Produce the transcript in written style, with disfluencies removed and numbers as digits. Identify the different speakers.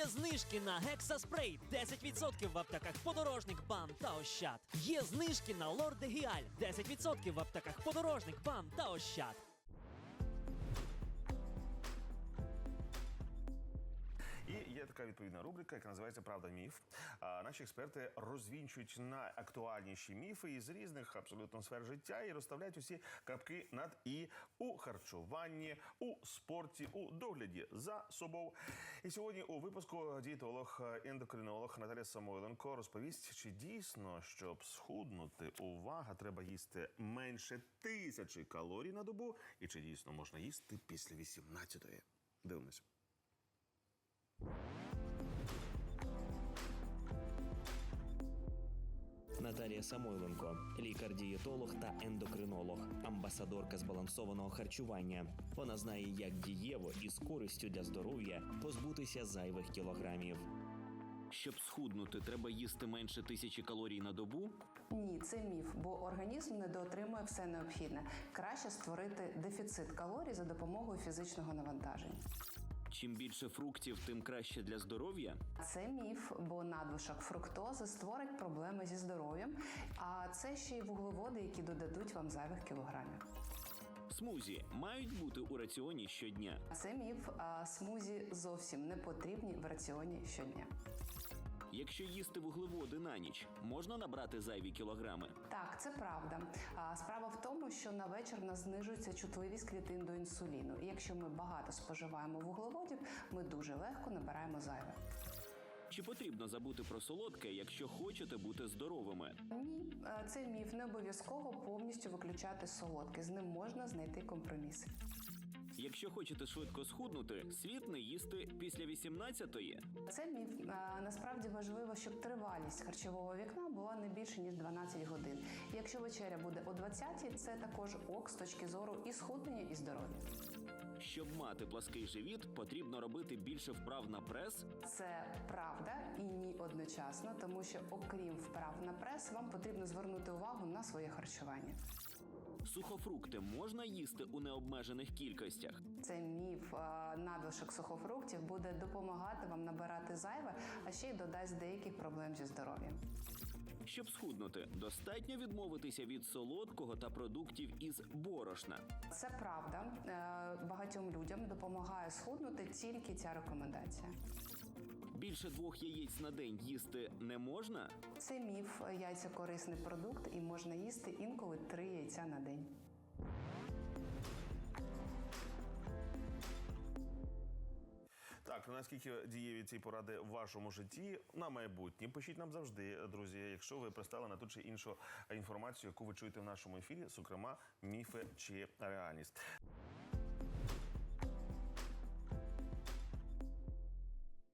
Speaker 1: Є знижки на гексаспрей 10% в аптеках Подорожник, БАМ та Ощад. Є знижки на Лордегіаль 10% в аптеках Подорожник, БАМ та Ощад.
Speaker 2: І є така відповідна рубрика, яка називається «Правда-міф». Наші експерти розвінчують найактуальніші міфи із різних абсолютно сфер життя і розставляють усі крапки над «і» у харчуванні, у спорті, у догляді за собою. І сьогодні у випуску дієтолог-ендокринолог Наталія Самойленко розповість, чи дійсно, щоб схуднути, увага, треба їсти менше 1000 калорій на добу, і чи дійсно можна їсти після 18-ї. Дивимося.
Speaker 3: Наталія Самойленко – лікар-дієтолог та ендокринолог, амбасадорка збалансованого харчування. Вона знає, як дієво і з користю для здоров'я позбутися зайвих кілограмів. Щоб схуднути, треба їсти менше 1000 калорій на добу?
Speaker 4: Ні, це міф, бо організм недоотримує все необхідне. Краще створити дефіцит калорій за допомогою фізичного навантаження.
Speaker 3: Чим більше фруктів, тим краще для здоров'я?
Speaker 4: Це міф, бо надлишок фруктози створить проблеми зі здоров'ям, а це ще й вуглеводи, які додадуть вам зайвих кілограмів.
Speaker 3: Смузі мають бути у раціоні щодня?
Speaker 4: Це міф, а смузі зовсім не потрібні в раціоні щодня.
Speaker 3: Якщо їсти вуглеводи на ніч, можна набрати зайві кілограми?
Speaker 4: Так, це правда. Справа в тому, що на вечір в нас знижується чутливість клітин до інсуліну. І якщо ми багато споживаємо вуглеводів, ми дуже легко набираємо зайве.
Speaker 3: Чи потрібно забути про солодке, якщо хочете бути здоровими?
Speaker 4: Ні, це міф. Не обов'язково повністю виключати солодке. З ним можна знайти компроміс.
Speaker 3: Якщо хочете швидко схуднути, слід не їсти після 18-ї.
Speaker 4: Це міф. Насправді важливо, щоб тривалість харчового вікна була не більше, ніж 12 годин. І якщо вечеря буде о 20-й, це також ок з точки зору і схуднення, і здоров'я.
Speaker 3: Щоб мати плаский живіт, потрібно робити більше вправ на прес?
Speaker 4: Це правда і ні одночасно, тому що окрім вправ на прес, вам потрібно звернути увагу на своє харчування.
Speaker 3: Сухофрукти можна їсти у необмежених кількостях?
Speaker 4: Це міф. Надлишок сухофруктів буде допомагати вам набирати зайве, а ще й додасть деяких проблем зі здоров'ям.
Speaker 3: Щоб схуднути, достатньо відмовитися від солодкого та продуктів із борошна?
Speaker 4: Це правда. Багатьом людям допомагає схуднути тільки ця рекомендація.
Speaker 3: Більше 2 яєць на день їсти не можна?
Speaker 4: Це міф. Яйця – корисний продукт і можна їсти інколи 3 яйця на день.
Speaker 2: Так, наскільки дієві ці поради в вашому житті на майбутнє? Пишіть нам завжди, друзі, якщо ви пристали на ту чи іншу інформацію, яку ви чуєте в нашому ефірі, зокрема, міфи чи реальність.